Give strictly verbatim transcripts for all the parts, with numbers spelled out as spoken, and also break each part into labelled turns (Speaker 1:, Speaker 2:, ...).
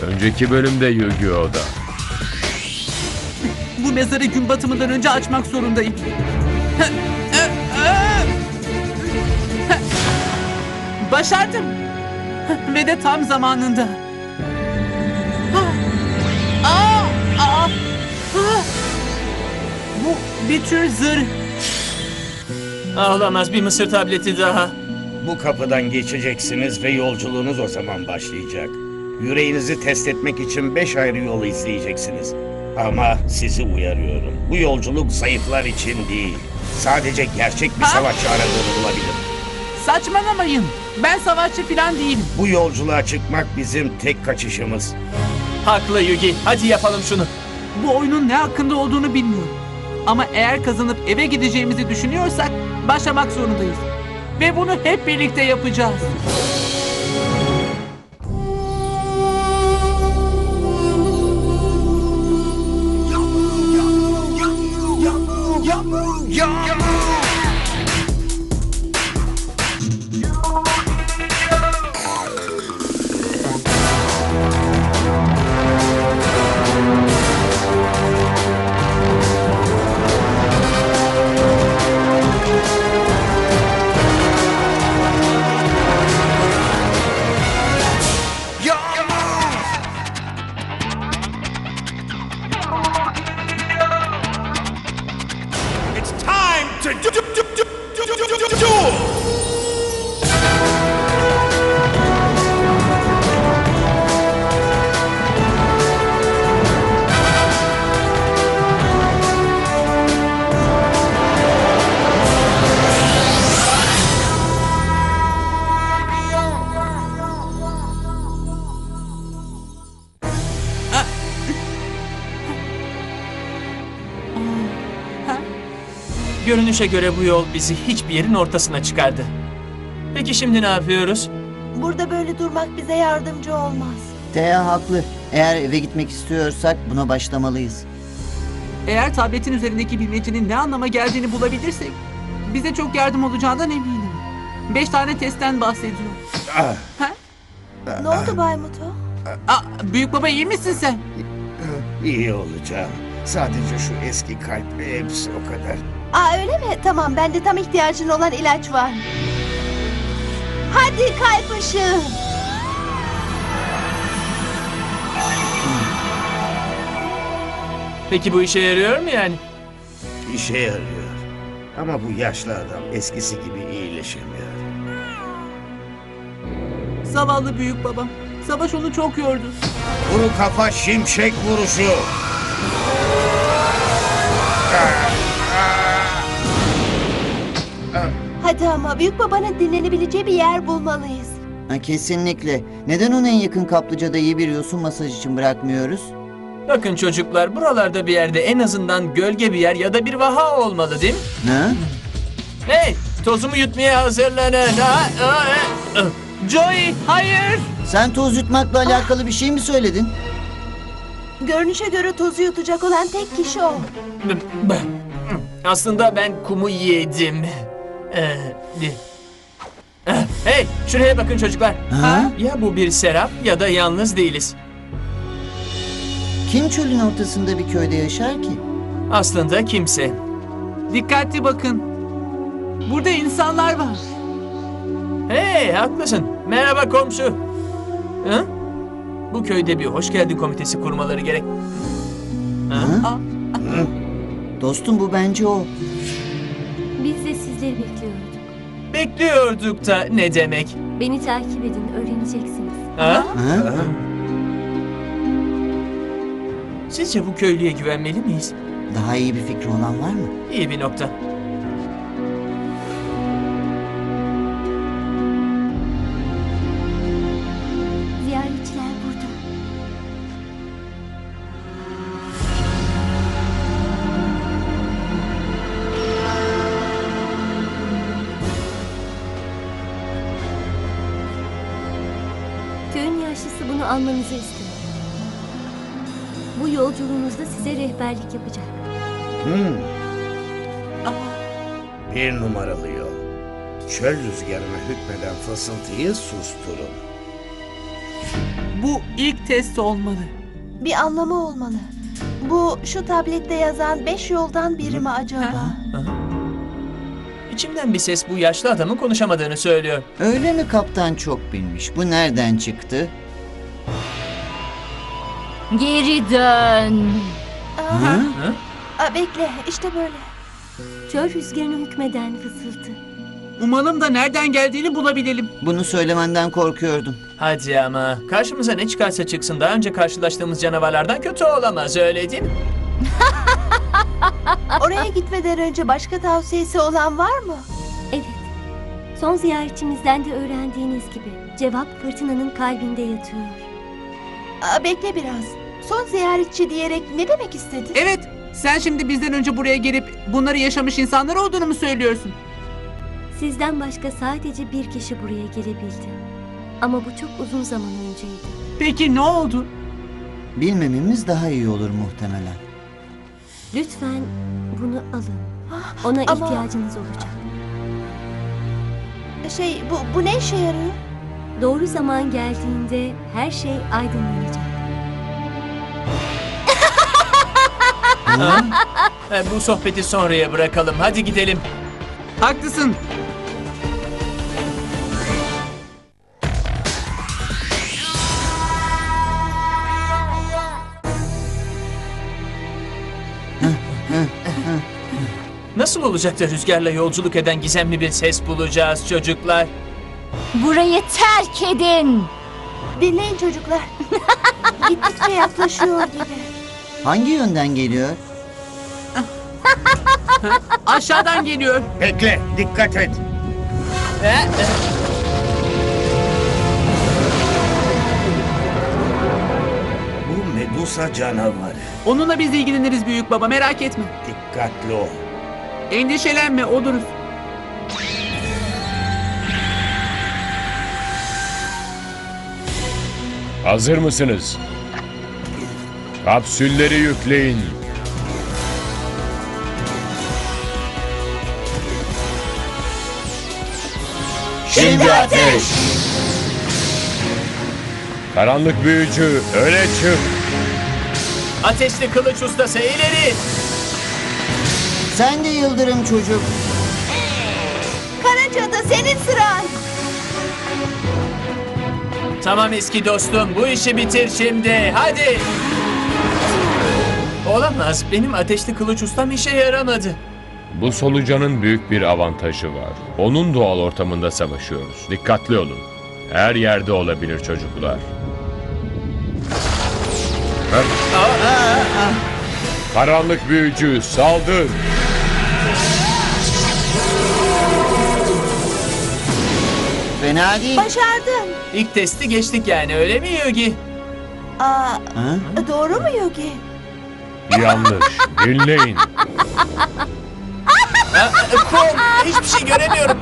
Speaker 1: Önceki bölümde Yu-Gi-Oh'da.
Speaker 2: Bu mezarı gün batımından önce açmak zorundayım. Başardım. Ve de tam zamanında. Aa, aa, aa. Bu bir tür zırh.
Speaker 3: Ağlamaz, bir mısır tableti daha.
Speaker 4: Bu kapıdan geçeceksiniz ve yolculuğunuz o zaman başlayacak. Yüreğinizi test etmek için beş ayrı yolu izleyeceksiniz. Ama sizi uyarıyorum. Bu yolculuk zayıflar için değil. Sadece gerçek bir
Speaker 2: Ha?
Speaker 4: savaşçı aradığını bulabilir.
Speaker 2: Saçmalamayın. Ben savaşçı falan değilim.
Speaker 4: Bu yolculuğa çıkmak bizim tek kaçışımız.
Speaker 3: Haklı Yugi, hadi yapalım şunu.
Speaker 2: Bu oyunun ne hakkında olduğunu bilmiyorum. Ama eğer kazanıp eve gideceğimizi düşünüyorsak başlamak zorundayız. Ve bunu hep birlikte yapacağız.
Speaker 5: It's time to do, do, do, do, do, do, do, do, duel!
Speaker 3: Görünüşe göre bu yol bizi hiçbir yerin ortasına çıkardı. Peki şimdi ne yapıyoruz?
Speaker 6: Burada böyle durmak bize yardımcı olmaz.
Speaker 7: Thea haklı. Eğer eve gitmek istiyorsak buna başlamalıyız.
Speaker 2: Eğer tabletin üzerindeki bilmecenin ne anlama geldiğini bulabilirsek bize çok yardım olacağından eminim. Beş tane testten bahsediyor.
Speaker 4: Ah,
Speaker 2: Ha?
Speaker 6: Ne oldu Bay Muto?
Speaker 2: Aa, büyük baba iyi misin sen?
Speaker 4: iyi olacağım. Sadece şu eski kalp ve hepsi o kadar.
Speaker 6: Aa öyle mi? Tamam, bende tam ihtiyacın olan ilaç var. Hadi kalp ışığı.
Speaker 3: Peki bu işe yarıyor mu yani?
Speaker 4: İşe yarıyor. Ama bu yaşlı adam eskisi gibi iyileşemiyor.
Speaker 2: Zavallı büyük babam. Savaş onu çok yordu.
Speaker 4: Kuru kafa şimşek vuruşu.
Speaker 6: Hadi ama büyük babanın dinlenebileceği bir yer bulmalıyız.
Speaker 7: Ha, kesinlikle. Neden onu en yakın kaplıcada iyi bir yosun masaj için bırakmıyoruz?
Speaker 3: Bakın çocuklar, buralarda bir yerde en azından gölge bir yer ya da bir vaha olmalı değil mi?
Speaker 7: Ne?
Speaker 3: Hey, tozumu yutmaya hazırlanın. Ha? Aa, e, e.
Speaker 2: Joey, hayır!
Speaker 7: Sen toz yutmakla alakalı bir şey mi söyledin?
Speaker 6: Görünüşe göre tozu yutacak olan tek kişi o.
Speaker 3: B- b- Aslında ben kumu yedim. Ee, eh, Hey, şuraya bakın çocuklar.
Speaker 7: Ha?
Speaker 3: Ya bu bir serap ya da yalnız değiliz.
Speaker 7: Kim çölün ortasında bir köyde yaşar ki?
Speaker 3: Aslında kimse.
Speaker 2: Dikkatli bakın. Burada insanlar var.
Speaker 3: Hey, haklısın. Merhaba komşu. Hı? Bu köyde bir hoş geldin komitesi kurmaları gerek. Ha?
Speaker 7: Ha? Dostum bu bence o.
Speaker 8: Biz de sizleri bekliyorduk.
Speaker 3: Bekliyorduk da ne demek?
Speaker 8: Beni takip edin, öğreneceksiniz.
Speaker 3: Ha?
Speaker 7: Ha?
Speaker 3: Sizce bu köylüye güvenmeli miyiz?
Speaker 7: Daha iyi bir fikri olan var mı?
Speaker 3: İyi bir nokta.
Speaker 8: Ziyaretçiler burada. Köyün yaşlısı bunu almanızı istiyor. Bu yolculuğunuzda size rehberlik yapacak.
Speaker 4: Hmm. Bir numaralı yol. Çöl rüzgarına hükmeden fısıltıyı susturun.
Speaker 2: Bu ilk test olmalı.
Speaker 6: Bir anlamı olmalı. Bu şu tablette yazan beş yoldan biri mi acaba?
Speaker 3: İçimden bir ses bu yaşlı adamın konuşamadığını söylüyor.
Speaker 7: Öyle mi kaptan çok bilmiş? Bu nereden çıktı?
Speaker 8: Geri dön.
Speaker 6: Aa,
Speaker 3: Hı?
Speaker 6: aa, bekle, işte böyle.
Speaker 8: Çöl rüzgarına hükmeden fısıltı.
Speaker 2: Umalım da nereden geldiğini bulabilelim.
Speaker 7: Bunu söylemenden korkuyordum.
Speaker 3: Hadi ama karşımıza ne çıkarsa çıksın daha önce karşılaştığımız canavarlardan kötü olamaz, öyle değil mi?
Speaker 6: Oraya gitmeden önce başka tavsiyesi olan var mı?
Speaker 8: Evet. Son ziyaretçimizden de öğrendiğiniz gibi cevap fırtınanın kalbinde yatıyor.
Speaker 6: Aa, bekle biraz. Son ziyaretçi diyerek ne demek istedin?
Speaker 2: Evet, sen şimdi bizden önce buraya gelip bunları yaşamış insanlar olduğunu mu söylüyorsun?
Speaker 8: Sizden başka sadece bir kişi buraya gelebildi. Ama bu çok uzun zaman önceydi.
Speaker 2: Peki ne oldu?
Speaker 7: Bilmememiz daha iyi olur muhtemelen.
Speaker 8: Lütfen bunu alın. Ona
Speaker 6: Ama-
Speaker 8: ihtiyacınız olacak.
Speaker 6: Şey, bu, bu ne işe yarıyor?
Speaker 8: Doğru zaman geldiğinde her şey aydınlanacak.
Speaker 3: E, bu sohbeti sonraya bırakalım, hadi gidelim.
Speaker 2: Haklısın.
Speaker 3: Nasıl olacak da rüzgarla yolculuk eden gizemli bir ses bulacağız çocuklar?
Speaker 8: Burayı terk edin.
Speaker 6: Dinleyin çocuklar. Gittikçe yaklaşıyor gibi.
Speaker 7: Hangi yönden geliyor?
Speaker 2: Aşağıdan geliyor.
Speaker 4: Bekle, dikkat et.
Speaker 3: E, e,
Speaker 4: Bu Medusa canavarı.
Speaker 2: Onunla biz ilgileniriz büyük baba, merak etme.
Speaker 4: Dikkatli ol.
Speaker 2: Endişelenme, oluruz.
Speaker 1: Hazır mısınız? Kapsülleri yükleyin.
Speaker 7: Şimdi ateş!
Speaker 1: Karanlık büyücü, öne çık.
Speaker 3: ateşli kılıç ustası ileri!
Speaker 7: Sen de yıldırım çocuk.
Speaker 6: Karacadı, senin sıran.
Speaker 3: Tamam eski dostum, bu işi bitir şimdi, hadi! Olamaz, benim ateşli kılıç ustam işe yaramadı.
Speaker 1: Bu solucanın büyük bir avantajı var. Onun doğal ortamında savaşıyoruz. Dikkatli olun. Her yerde olabilir çocuklar. Heh. Karanlık büyücü, saldır.
Speaker 7: Fena değil.
Speaker 6: Başardın.
Speaker 3: İlk testi geçtik yani, öyle mi Yugi?
Speaker 6: Aa,
Speaker 7: Ha?
Speaker 6: doğru mu Yogi?
Speaker 1: Yanlış. Dinleyin.
Speaker 3: Kum, hiçbir şey göremiyorum.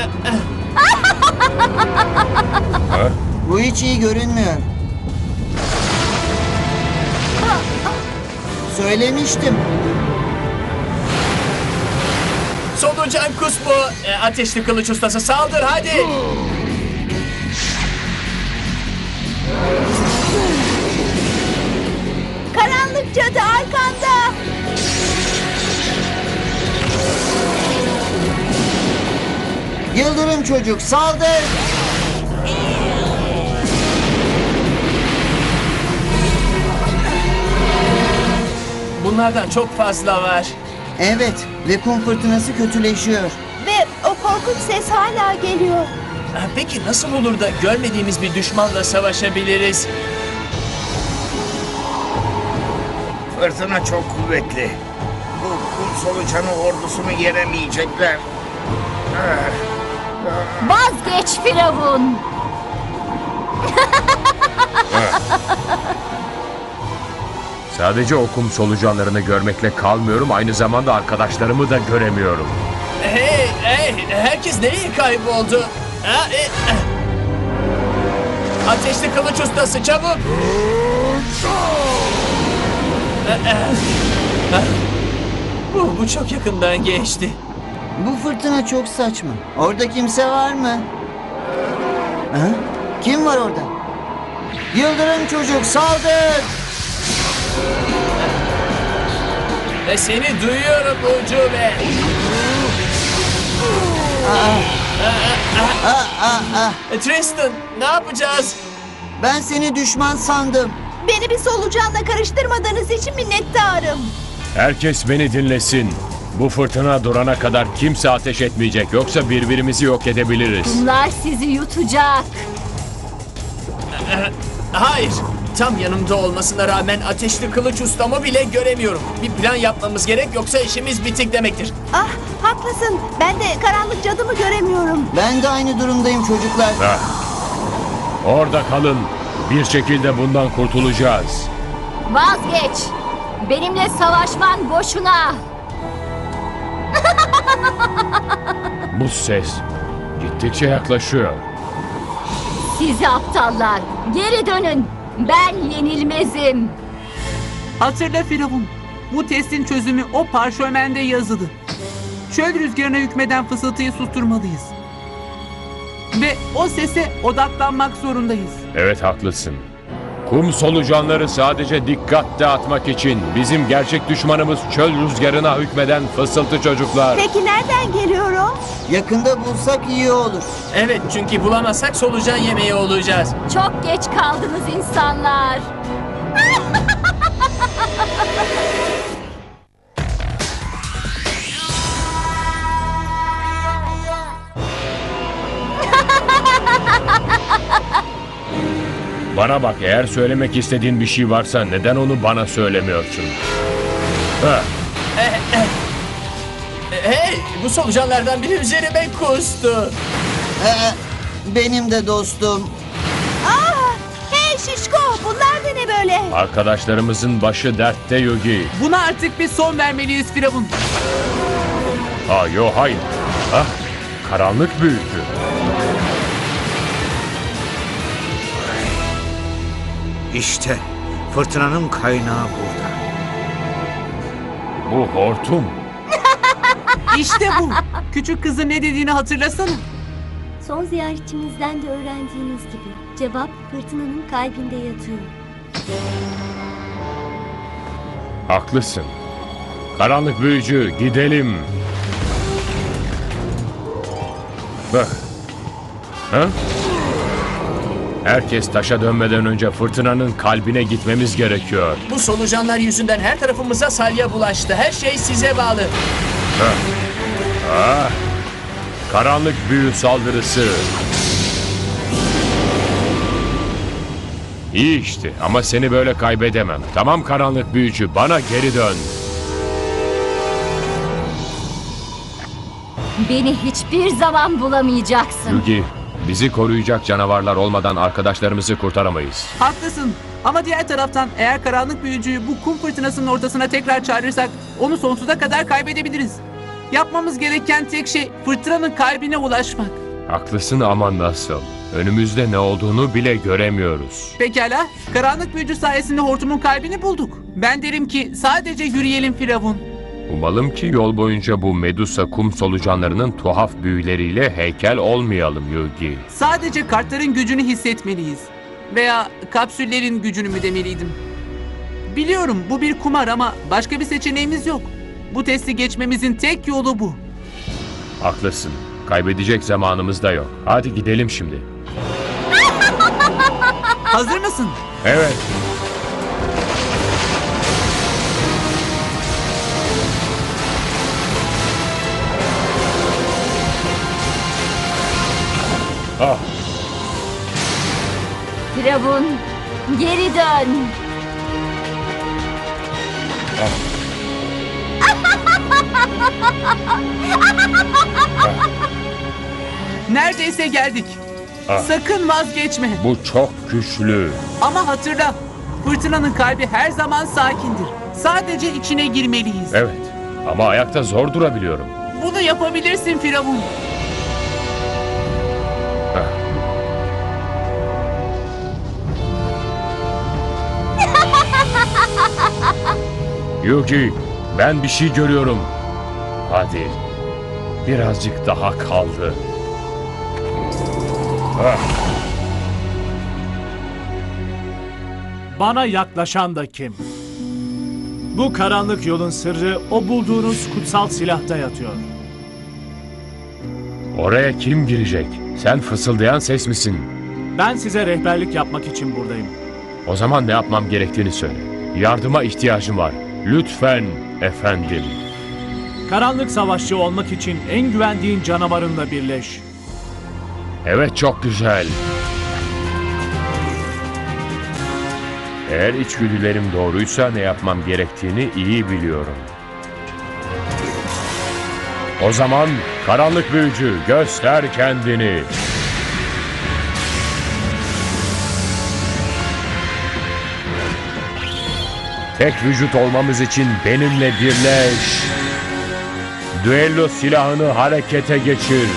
Speaker 1: Ha?
Speaker 7: Bu hiç iyi görünmüyor. Söylemiştim.
Speaker 3: Solucan kus bu. E, ateşli kılıç ustası saldır hadi.
Speaker 6: Karanlık cadı arkanda.
Speaker 7: Yıldırım çocuk saldır.
Speaker 3: Bunlardan çok fazla var.
Speaker 7: Evet ve kum fırtınası kötüleşiyor.
Speaker 6: Ve o korkunç ses hala geliyor.
Speaker 3: Ha, Peki nasıl olur da görmediğimiz bir düşmanla savaşabiliriz?
Speaker 4: Fırtına çok kuvvetli. Bu kum solucanı ordusunu yenemeyecekler. Ah,
Speaker 8: Vazgeç Firavun.
Speaker 1: Sadece o kum solucanlarını görmekle kalmıyorum. Aynı zamanda arkadaşlarımı da göremiyorum.
Speaker 3: Hey, hey, herkes nereye kayboldu? Ha, e, e. Ateşli kılıç ustası çabuk. E, e. Ha? Bu, bu çok yakından geçti.
Speaker 7: Bu fırtına çok saçma. Orada kimse var mı? Ha? Kim var orada? Yıldırım çocuk saldır.
Speaker 3: Ve seni duyuyorum Ucube. E, Tristan, ne yapacağız?
Speaker 7: Ben seni düşman sandım.
Speaker 6: Beni bir solucanla karıştırmadığınız için minnettarım.
Speaker 1: Herkes beni dinlesin. Bu fırtına durana kadar kimse ateş etmeyecek. Yoksa birbirimizi yok edebiliriz.
Speaker 8: Bunlar sizi yutacak.
Speaker 3: Hayır. Tam yanımda olmasına rağmen ateşli kılıç ustamı bile göremiyorum. Bir plan yapmamız gerek yoksa işimiz bitik demektir.
Speaker 6: Ah, haklısın. Ben de karanlık cadımı göremiyorum.
Speaker 7: Ben de aynı durumdayım çocuklar.
Speaker 1: Heh. Orada kalın. Bir şekilde bundan kurtulacağız.
Speaker 8: Vazgeç. Benimle savaşman boşuna.
Speaker 1: Bu ses gittikçe yaklaşıyor.
Speaker 8: Sizi aptallar. Geri dönün. Ben yenilmezim.
Speaker 2: Hatırla Firavun. Bu testin çözümü o parşömende yazılı. Çöl rüzgarına hükmeden fısıltıyı susturmalıyız. Ve o sese odaklanmak zorundayız.
Speaker 1: Evet, haklısın. Kum solucanları sadece dikkat dağıtmak için. Bizim gerçek düşmanımız çöl rüzgarına hükmeden fısıltı çocuklar.
Speaker 6: Peki nereden geliyorum?
Speaker 7: Yakında bulsak iyi olur.
Speaker 3: Evet, çünkü bulamazsak solucan yemeği olacağız.
Speaker 8: Çok geç kaldınız insanlar.
Speaker 1: Bana bak, eğer söylemek istediğin bir şey varsa neden onu bana söylemiyorsun? Ha,
Speaker 3: Hey, bu solucanlardan biri üzerime kustu.
Speaker 7: Ee, benim de dostum.
Speaker 6: Ah, hey şişko, bunlar da ne böyle?
Speaker 1: arkadaşlarımızın başı dertte Yugi.
Speaker 2: Buna artık bir son vermeliyiz Firavun.
Speaker 1: Ha, yo, hayır. Ah, karanlık büyücü.
Speaker 9: İşte fırtınanın kaynağı burada.
Speaker 1: Bu hortum.
Speaker 2: İşte bu. Küçük kızın ne dediğini hatırlasana.
Speaker 8: Son ziyaretçimizden de öğrendiğiniz gibi cevap fırtınanın kalbinde yatıyor.
Speaker 1: Haklısın. Karanlık büyücü, gidelim. Bak. Ha? Herkes taşa dönmeden önce fırtınanın kalbine gitmemiz gerekiyor.
Speaker 3: Bu solucanlar yüzünden her tarafımıza salya bulaştı. Her şey size bağlı.
Speaker 1: Ah, karanlık büyü saldırısı. İyi işte, ama seni böyle kaybedemem. Tamam karanlık büyücü, bana geri dön.
Speaker 8: Beni hiçbir zaman bulamayacaksın.
Speaker 1: Yugi, bizi koruyacak canavarlar olmadan arkadaşlarımızı kurtaramayız.
Speaker 2: Haklısın. Ama diğer taraftan eğer karanlık büyücüyü bu kum fırtınasının ortasına tekrar çağırırsak onu sonsuza kadar kaybedebiliriz. Yapmamız gereken tek şey fırtınanın kalbine ulaşmak.
Speaker 1: Haklısın ama nasıl? Önümüzde ne olduğunu bile göremiyoruz.
Speaker 2: Pekala, karanlık büyücü sayesinde hortumun kalbini bulduk. Ben derim ki sadece yürüyelim Firavun.
Speaker 1: Umalım ki yol boyunca bu Medusa kum solucanlarının tuhaf büyüleriyle heykel olmayalım Yugi.
Speaker 2: Sadece kartların gücünü hissetmeliyiz. Veya kapsüllerin gücünü mü demeliydim. Biliyorum bu bir kumar ama başka bir seçeneğimiz yok. Bu testi geçmemizin tek yolu bu.
Speaker 1: Haklısın. Kaybedecek zamanımız da yok. Hadi gidelim şimdi.
Speaker 2: Hazır mısın?
Speaker 1: Evet. Ah,
Speaker 8: Firavun, geri dön.
Speaker 2: Neredeyse geldik.
Speaker 1: Ah.
Speaker 2: Sakın vazgeçme.
Speaker 1: bu çok güçlü.
Speaker 2: Ama hatırla, fırtınanın kalbi her zaman sakindir. Sadece içine girmeliyiz.
Speaker 1: Evet. Ama ayakta zor durabiliyorum.
Speaker 2: Bunu yapabilirsin Firavun.
Speaker 1: Yugi, ben bir şey görüyorum. Hadi. Birazcık daha kaldı. Ah.
Speaker 10: Bana yaklaşan da kim? Bu karanlık yolun sırrı o bulduğunuz kutsal silahta yatıyor.
Speaker 1: Oraya kim girecek? Sen fısıldayan ses misin?
Speaker 10: Ben size rehberlik yapmak için buradayım.
Speaker 1: O zaman ne yapmam gerektiğini söyle. Yardıma ihtiyacım var. Lütfen efendim.
Speaker 10: Karanlık savaşçı olmak için en güvendiğin canavarınla birleş.
Speaker 1: Evet, çok güzel. Eğer içgüdülerim doğruysa ne yapmam gerektiğini iyi biliyorum. O zaman karanlık büyücü, göster kendini. Tek vücut olmamız için benimle birleş. Düello silahını harekete geçir.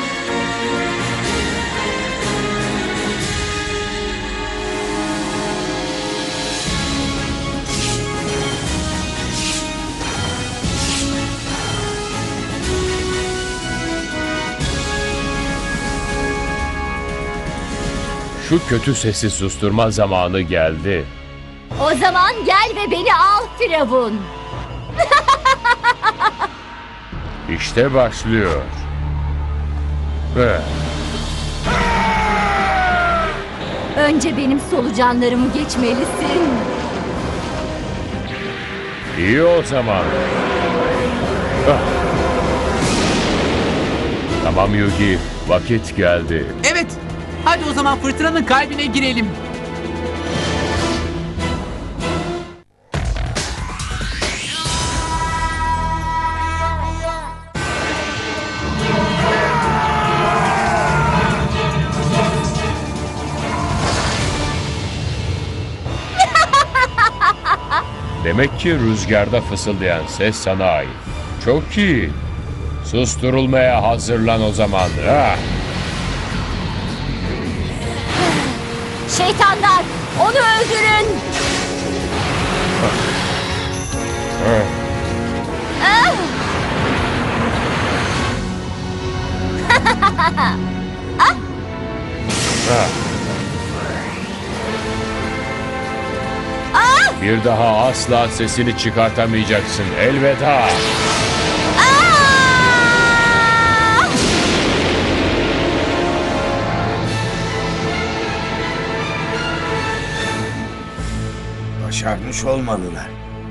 Speaker 1: Şu kötü sesi susturma zamanı geldi.
Speaker 8: O zaman gel ve beni al Firavun.
Speaker 1: İşte başlıyor. Ve
Speaker 8: Önce benim solucanlarımı geçmelisin.
Speaker 1: iyi o zaman. Ah. Tamam Yugi, vakit geldi.
Speaker 2: Evet. Hadi o zaman fırtınanın kalbine girelim.
Speaker 1: Demek ki rüzgarda fısıldayan ses sana ait. Çok iyi. Susturulmaya hazırlan o zaman. Ah.
Speaker 8: Şeytanlar, onu öldürün.
Speaker 1: Ah.
Speaker 8: Ah!
Speaker 1: Ah. Bir daha asla sesini çıkartamayacaksın. Elveda.
Speaker 4: Başarmış olmalılar.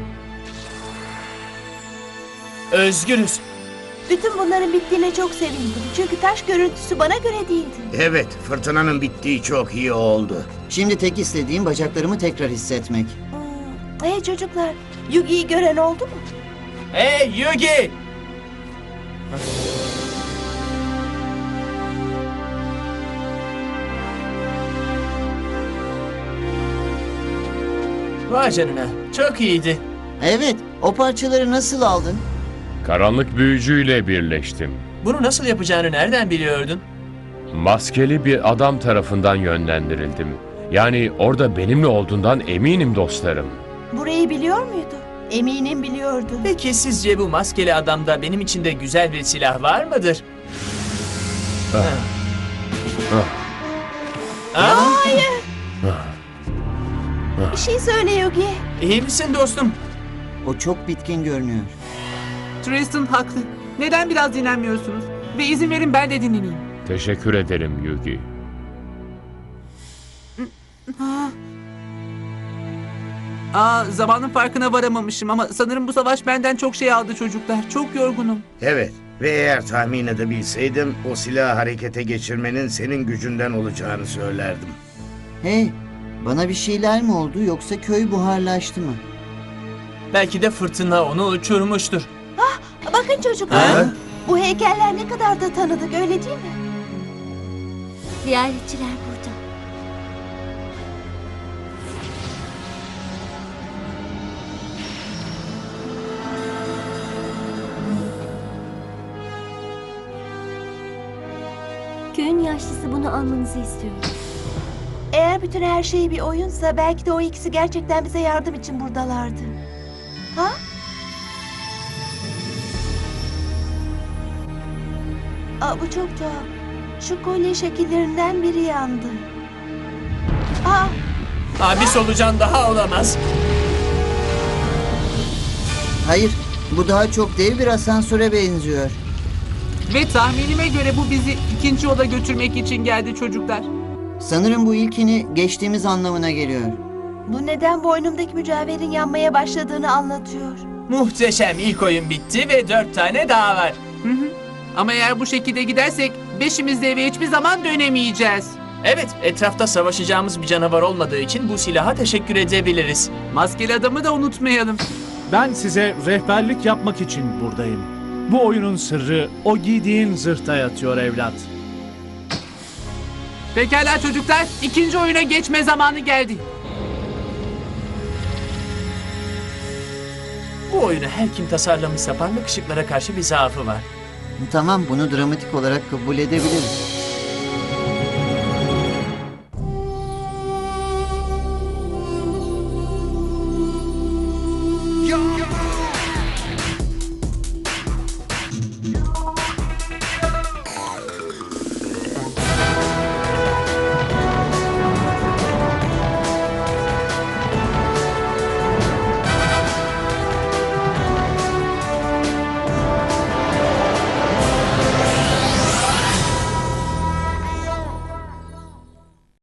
Speaker 3: Özgürüz.
Speaker 6: Bütün bunların bittiğine çok sevindim. Çünkü taş görüntüsü bana göre değildi.
Speaker 4: Evet, fırtınanın bittiği çok iyi oldu.
Speaker 7: Şimdi tek istediğim bacaklarımı tekrar hissetmek.
Speaker 6: Hmm. Hey çocuklar, Yugi'yi gören oldu mu?
Speaker 3: Hey Yugi! Vay canına, çok iyiydi.
Speaker 7: Evet, o parçaları nasıl aldın?
Speaker 1: Karanlık büyücüyle birleştim.
Speaker 3: Bunu nasıl yapacağını nereden biliyordun?
Speaker 1: Maskeli bir adam tarafından yönlendirildim. Yani orada benimle olduğundan eminim dostlarım.
Speaker 6: Burayı biliyor muydu? Eminim biliyordu.
Speaker 3: Peki sizce bu maskeli adamda benim için de güzel bir silah var mıdır?
Speaker 1: Ah.
Speaker 3: Ha. Ah,
Speaker 6: Hayır. Bir şey söyle Yugi.
Speaker 3: iyi misin dostum?
Speaker 7: O çok bitkin görünüyor.
Speaker 2: Tristan haklı. Neden biraz dinlenmiyorsunuz? Ve izin verin ben de dinleneyim.
Speaker 1: Teşekkür ederim Yugi.
Speaker 2: Ha. Aa, zamanın farkına varamamışım ama sanırım bu savaş benden çok şey aldı çocuklar. Çok yorgunum.
Speaker 4: Evet ve eğer tahmin edebilseydim o silahı harekete geçirmenin senin gücünden olacağını söylerdim.
Speaker 7: Hey, bana bir şeyler mi oldu yoksa köy buharlaştı mı?
Speaker 3: Belki de fırtına onu uçurmuştur.
Speaker 6: Bakın çocuklar.
Speaker 3: Ha?
Speaker 6: Bu heykeller ne kadar da tanıdık öyle değil mi?
Speaker 8: Ziyaretçiler burada. Köyün yaşlısı bunu almanızı istiyor.
Speaker 6: Eğer bütün her şey bir oyunsa belki de o ikisi gerçekten bize yardım için buradalardı. Ha? Aa, bu çok tuhaf. Şu kolye şekillerinden biri yandı. Aa,
Speaker 3: Aa, bir solucan daha olamaz.
Speaker 7: Hayır, bu daha çok dev bir asansöre benziyor.
Speaker 2: Ve tahminime göre bu bizi ikinci oda götürmek için geldi çocuklar.
Speaker 7: Sanırım bu ilkini geçtiğimiz anlamına geliyor.
Speaker 6: Bu neden boynumdaki mücevherin yanmaya başladığını anlatıyor.
Speaker 3: Muhteşem, ilk oyun bitti ve dört tane daha var.
Speaker 2: Hı hı. Ama eğer bu şekilde gidersek beşimiz de eve hiçbir zaman dönemeyeceğiz.
Speaker 3: Evet, etrafta savaşacağımız bir canavar olmadığı için bu silaha teşekkür edebiliriz.
Speaker 2: Maskeli adamı da unutmayalım.
Speaker 10: Ben size rehberlik yapmak için buradayım. Bu oyunun sırrı o giydiğin zırhta yatıyor evlat.
Speaker 2: Pekala çocuklar, ikinci oyuna geçme zamanı geldi.
Speaker 3: Bu oyunu her kim tasarlamışsa parlak ışıklara karşı bir zaafı var.
Speaker 7: Tamam, bunu dramatik olarak kabul edebiliriz.